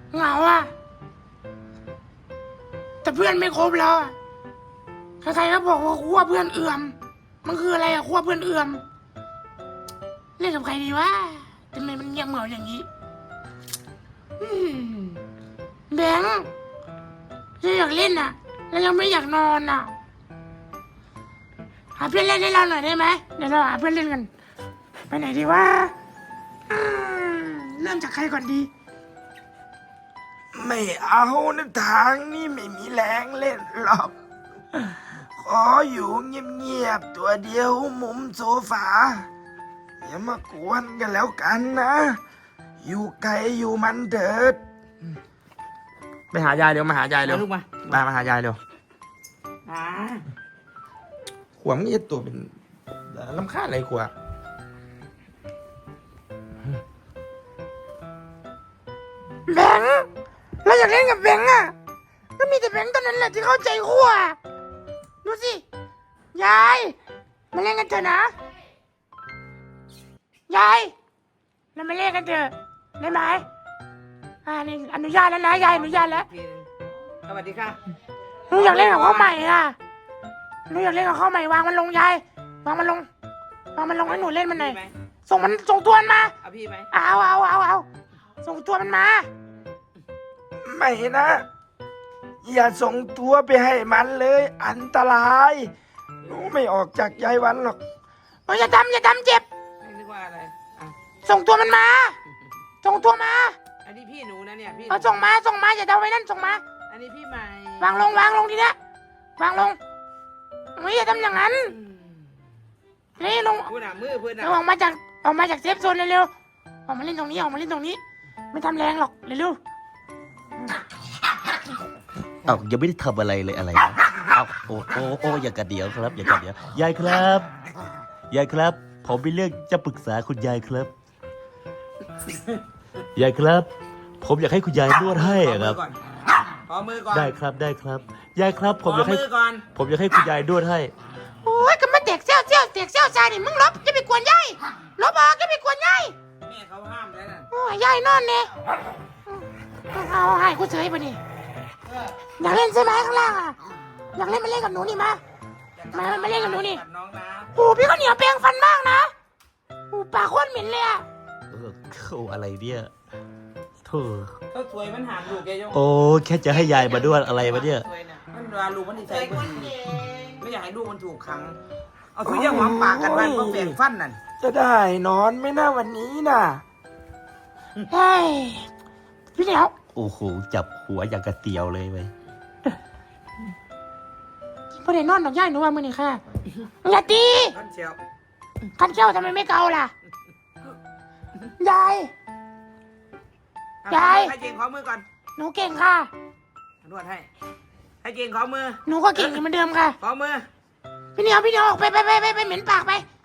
เหงาอ่ะแต่เพื่อนไม่ครบแล้วอะใครๆก็บอกว่าขั้วเพื่อนเอื่อมมันคืออะไรอะขั้วเพื่อนเอื่อมเล่นกับใครดีวะทำไมมันเงียบเหงาอย่างนี้แบงค์ยังอยากเล่นอ่ะแล้วยังไม่อยากนอนอ่ะหาเพื่อนเล่นให้เราหน่อยได้ไหมเดี๋ยวเราหาเพื่อนเล่นกันไปไหนดีวะเริ่มจากใครก่อนดีไม่เอานะทางนี่ไม่มีแรงเล่นหรอก ขออยู่เงียบๆตัวเดียวมุมโซฟาอย่ามากวนกันแล้วกันนะ อยู่ไกลอยู่มันเถิดไปหายายเร็วมาหายายเร็วลูกมามาหายายเร็วอ่าขวบมันจะตัวเป็นลำคาญอะไรขวบแบงค์เราอยากเล่นกับแบงค์อ่ะก็มีแต่แบงค์ตอนนั้นแหละที่เข้าใจขั้วดูสิยายมาเล่นกันเถอะนะยายเรามาเล่นกันเถอะได้ไหมนี่อนุญาตแล้วนะยายอนุญาตแล้วทีนึงสวัสดีค่ะหนูอยากเล่นกับข้าวใหม่อ่ะหนูอยากเล่นกับข้าวใหม่วางมันลงยายวางมันลงให้หนูเล่นมันหน่อยพี่ไหมส่งตัวมันมาเอาพี่ไหมเอาส่งตัวมันมาไม่นะ อย่าส่งตัวไปให้มันเลย อันตรายหนูไม่ออกจากยายวันหรอกอย่าทำเจ็บไม่นึกว่าอะไรอ่ะส่งตัวมันมาส่งตัวมาอันนี้พี่หนูนะเนี่ยพี่ส่งมาอย่าเดาไว้นั่นส่งมาอันนี้พี่ใหม่วางลงทีเนี้ยวางลงไม่อย่าทำอย่างนั้นอืมนี่ลงพูดหนามือเพื่อนหนาออกมาจากเซฟโซนเร็วๆออกมาเล่นตรงนี้ไม่ทำแรงหรอกเร็วเอายังไม่ได้ทำอะไรเลยอะไรนะเอาโอ้อย่างกระเดียวครับอย่างกระเดียวยายครับยายครับ ผมมีเรื่องจะปรึกษาคุณยายครับยายครับ ผมอยากให้คุณยายนวดให้อะครับขอมือก่อนได้ครับยายครับขอมือก่อนผมอยากให้คุณยายนวดให้ๆโอ้ยก็มาเตกเซี่ยวชายนี่มึงลบจะไปกวนยายลบออกจะไปกวนยายแม่เขาห้ามแล้วน่ะโอ้ยยายนอนเนี่ยเอาให้กูเฉยไปนี่อยากเล่นใช่ไหมข้างล่างอ่ะอยากเล่นมาเล่นกับหนูนี่มาเล่นกับหนูนี่กัน้องนะโอ้พี่ก็เหนียวแปรงฟันมากนะโอ้ปากโคตรเหม็นเลยอ่ะอะไรเนี่ยโธ่เขาสวยมันหามลูกแกยกโอ้แค่จะให้ยายมาด้วยอะไรวะเนี่ยสวยะมันเวลาลูกมันนิสัยไม่ดีไม่อยากให้ลูกมันถูกขัง เอาทุกอย่างหวังปากกันไว้เพราะแบ่งฟันนั่นจะได้นอนไหม่น่าวันนี้น่ะเฮ้ยพี่เหนียวโอ้โหจับหัวอย่างกระเตียวเลยไปพอได้นอนดอกย่ายหนูว่ามือนี่ค่ะอย่าตีท่านเชียวคันเจ้าทำไมไม่เกาล่ะยาย ยายให้เจงขอมือก่อนหนูเก่งค่ะนวดให้ ให้เจงขอมือหนูก็เก่งเหมือนเดิมค่ะขอมือพี่เหนียวออกไปเหม็นปากไป